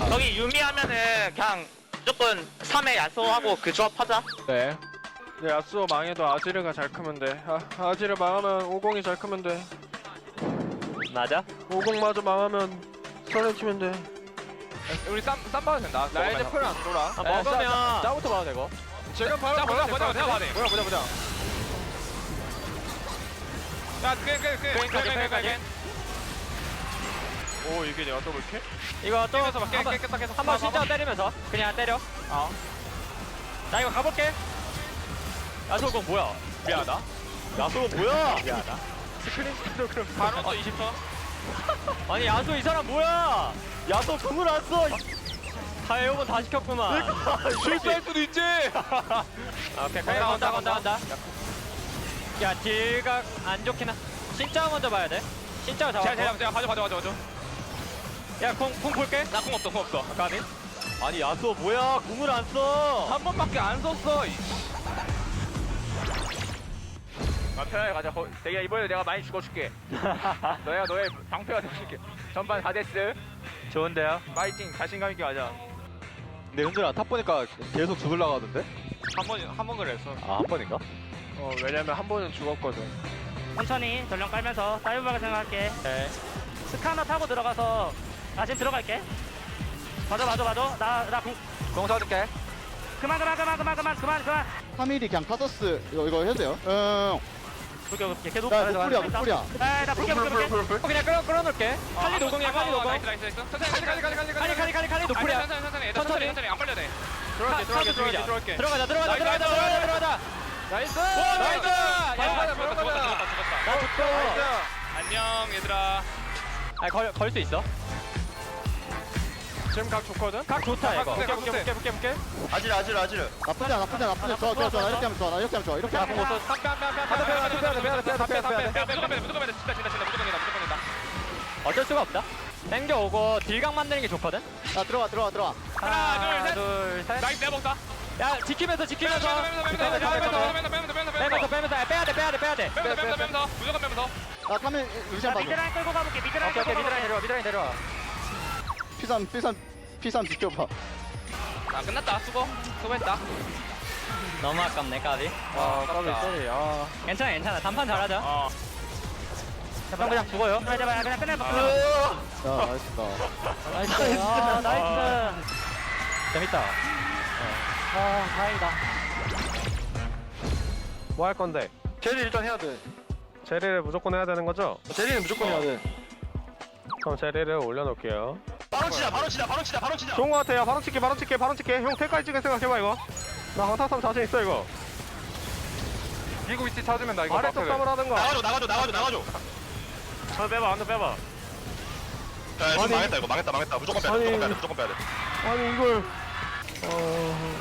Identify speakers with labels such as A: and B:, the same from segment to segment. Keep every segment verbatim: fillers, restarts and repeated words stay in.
A: 저기 유미 하면은 그냥 무조건 삼회 야소하고 그 조합 하자.
B: 네.
C: 네, 야스오 망해도 아지르가 잘 크면 돼. 아, 아지르 망하면 오공이 잘 크면 돼.
D: 맞아?
C: 오공마저 망하면 설레 치면 돼.
B: 우리 쌈, 쌈 봐도 된다.
C: 라이드 풀 안 돌아.
D: 아, 먹으면
B: 짜부터 봐도 되고.
C: 제가 바로
B: 짜 보자, 보자, 보자, 보자.
C: 보자 보자 보자.
B: 야, 그, 그, 그, 그, 그, 그,
C: 오 이게 내가 더블 킬?
D: 이거 또
B: 깨면서 막 깨,
D: 한번
B: 깨, 깨, 깨, 깨.
D: 한번 실전 때리면서 그냥 때려. 어. 나 이거 가볼게. 야소공 뭐야?
B: 미안하다.
D: 야소 뭐야? 미안하다.
C: 스크린 스피드 그럼
B: 바로 또 이십 초.
D: 아니 야소 이 사람 뭐야? 야소 공을 안 써. 다 에어건 다 시켰구만.
B: 실수할 수도 있지.
D: 아, 오케이, 거기 간다, 간다, 간다. 야, 딜각 안 좋긴 하. 진짜 먼저 봐야 돼. 진짜
B: 제가,
D: 잡아.
B: 제가, 제가 가져, 가져, 가져, 가져.
D: 야, 공, 공 볼게.
B: 나 공 없어, 공 없어.
D: 가비. 아니, 야소 뭐야? 공을 안 써.
B: 한 번밖에 안 썼어. 아, 편하게 가자. 거, 내가 이번에 내가 많이 죽어줄게. 너야 너의 방패가 되어줄게. 전반 사 데스.
D: 좋은데요?
B: 파이팅, 자신감 있게 가자.
E: 근데 현준아 탑 보니까 계속 죽을라고 하던데?
B: 한 번, 한 번 그랬어.
E: 아 한 번인가?
C: 어 왜냐면 한 번은 죽었거든.
F: 천천히 전령 깔면서 사이버가 생각할게.
D: 네.
F: 스카너 타고 들어가서 나 지금 들어갈게. 맞아 맞아 맞아. 나나
B: 공 써줄게.
F: 그만 그만 그만 그만 그만 그만 그만.
G: 삼 일이 그냥 카서스 이거 이거 해도 돼요? 응.
F: 볼게 볼게. 걔도
G: 나 노플이야 노플이야.
F: 아나 볼게 볼게 볼게.
D: 어, 그냥 끌어, 끌어놓을게. 칼리 노공이야, 칼리 노공.
B: 나이스, 나이스, 나이스. 천천히, 천천히, 천천히, 천천히.
D: 칼리, 칼리, 칼리, 칼리 노플이야.
B: 천천히, 천천히, 천천히, 천천히, 천천히, 안 빨려도 돼.
C: 들어갈게 들어갈게
D: 카드
C: 들어갈게
D: 죽이자.
C: 들어갈게.
D: 들어가자, 들어가자,
B: 나이스,
D: 들어가자,
B: 나이스,
D: 들어가자, 들어가자.
C: 나이스.
D: 오, 나이스! 야,
B: 죽었다,
C: 들어가자,
B: 죽었다,
C: 들어가자.
B: 죽었다, 죽었다.
D: 나 죽어.
B: 안녕, 얘들아.
D: 아, 걸, 걸 수 있어.
C: 지금 각 좋거든.
D: 각 좋다, 이거.
C: 볼게 볼게 볼게 볼게 볼게.
E: 아지르 아지르 아지르
G: 나쁘지 않아 나쁘지 않아 나쁘지 않아. 좋아 좋아 좋아. 나 이렇게 하면 좋아 나 이렇게 하면 좋아 이렇게
D: 야,
G: 하면
D: 공
G: 좋아.
D: 못 써. 뺨, 뺨, 뺨, 뺨.
C: 빼야 돼, 빼야 돼, 빼야 돼, 빼야 돼, 빼야 돼, 빼야 돼, 빼야 돼.
B: 야, 무조건 빼야 돼, 무조건 빼야 돼. 진짜, 진짜, 진짜, 무조건 된다, 무조건 된다.
D: 어쩔 수가 없다. 땡겨오고 딜각 만드는 게 좋거든.
G: 자 들어와 들어와 들어와.
B: 하나, 둘, 셋.
D: 둘, 셋.
B: 나이스, 내가 먹다.
D: 야, 지키면서, 지키면서.
B: 빼면서, 빼면서, 빼면서, 빼면서, 빼면서, 빼면서, 빼면서,
D: 빼면서, 빼면서. 야, 빼야 돼, 빼야 돼, 빼야 돼.
B: 빼면서, 빼면서, 빼면서, 무조건 빼면서.
G: 나 카멘 루시안
F: 나
G: 봐줘.
F: 미드라인 끌고 가볼게. 미드라인
D: 오케이, 오케이,
F: 끌고
D: 미드라인
F: 가볼게.
D: 내려와, 미드라인 내려와.
G: 피삼 피삼 피삼 지켜봐.
B: 아, 끝났다. 수고. 수고했다.
D: 너무 아깝네, 까비.
C: 아 까비 쏘리. 아.
D: 괜찮아, 괜찮아. 단판 잘하자.
B: 어.
D: 형 그냥 죽어요.
F: 제발 제발 그냥 끝내봐.
G: 야 나이스다.
D: 나이스. 아, 나이스. 재밌다. 아, 다행이다.
C: 뭐 할 건데?
E: 제리 일단 해야 돼
C: 제리를 무조건 해야 되는 거죠?
E: 제리는 무조건 해야 돼
C: 그럼 제리를 올려놓을게요.
E: 바로 치자 바로 치자 바로 치자 바로 치자
C: 좋은 거 같아요. 바로 찍게 바로 찍게 바로 찍게. 형 태까지 찍을 생각해봐 이거. 나 허타삼 자신 있어 이거.
B: 미국 위치 찾으면 나 이거
C: 아래쪽 쌈을 하든가.
E: 나가줘 나가줘 나가줘 나가줘
C: 안 빼봐 안 빼봐.
E: 야 지금
C: 아니.
E: 망했다 이거 망했다 망했다 무조건 빼야 돼
C: 아니.
E: 무조건 빼야 돼 무조건 빼야 돼
C: 아니 이걸. 어.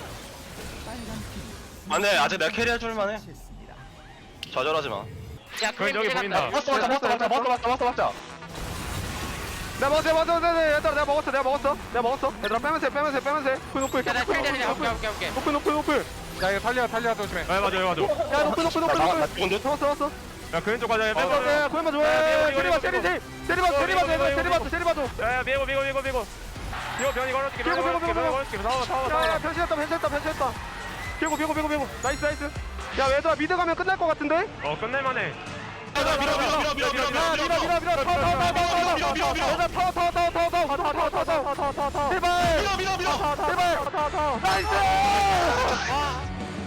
E: 안돼 아직 내가 캐리 해줄 만해 좌절하지 마
A: 야,
C: 그건 여기 보인다.
E: 맞다 맞다 맞다 맞다 맞다 맞다 맞다 맞다
C: 내가 먹었어 먹었어 먹었어 얘들아 내가 먹었어 내가 먹었어 내가 먹었어 얘들아 빼면서 해, 빼면서 해, 빼면서 해. 노플 노플
A: 야, 나
C: 노플
A: 킬대는
C: 노플
A: 오케이, 오케이, 오케이.
C: 노플 노플 노플.
B: 야, 이거 달려, 달려, 조심해.
C: 아 맞아 맞아. 야 노플 노플 노플
E: 나
C: 노플.
E: 죽은데?
C: 잡았어 잡았어. 야 그왼쪽 가자.
E: 어,
C: 빼봐 빼. 그만 좋아. 세리봐 세리 세리. 세리봐 세리봐 세리봐 세리봐 세리봐. 야야 미고 미고 미고 미고. 이거 변이 걸어줄게. 미고 미고 미고 미고. 나와 나와 나와. 야 변신했다 변신했다 변신했다. 비고 비고 비고 비고. 나이스 나이스. 야 얘들아 미드 가면 끝날 것 같은데? 어 끝낼만해.
E: 밀어 밀어 밀어 밀어 밀어 밀어
C: 밀어 밀어 밀어 타워 타워 타워 타워
E: 밀어, 밀어, 밀어.
C: 얘들아 타워 타워 타워 타워 타워 타워 타워 타워 타워 타워 타워 제발
E: 밀어 밀어 밀어
C: 제발 타워 타워 타워 나이스